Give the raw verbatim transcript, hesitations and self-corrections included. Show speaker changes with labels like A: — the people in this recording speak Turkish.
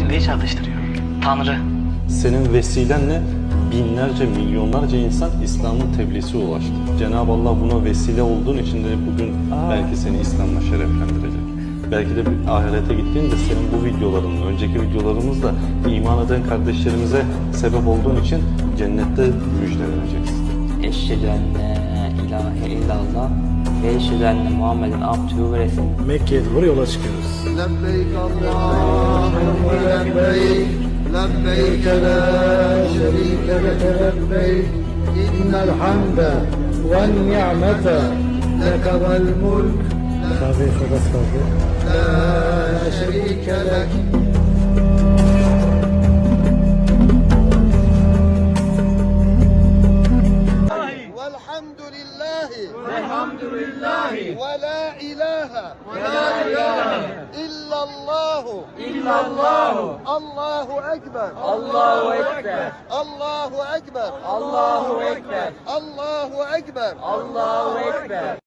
A: Tanrı'yı çağrıştırıyor. Tanrı.
B: Senin vesilenle binlerce, milyonlarca insan İslam'ın tebliğsi ulaştı. Cenab-ı Allah buna vesile olduğun için de bugün belki seni İslam'la şereflendirecek. Belki de bir ahirete gittiğinde senin bu videoların, önceki videolarımızda iman eden kardeşlerimize sebep olduğun için cennette müjdeleneceksin.
C: Eşhedü enne ilahe illallah ve eşhedü enne Muhammeden abdühü ve resulühü.
D: Mekke'ye doğru yola çıkıyoruz.
E: Lebbeyk Allahümme lebbeyk, lebbeyk la şerike leke lebbeyk, innel hamde ve ni'mete leke vel mulk,
D: Tabii fakat kaldı.
E: la şerike lek. والحمد لله والحمد لله ولا إله ولا إله إلا الله إلا الله الله أكبر الله أكبر الله أكبر الله أكبر الله أكبر الله أكبر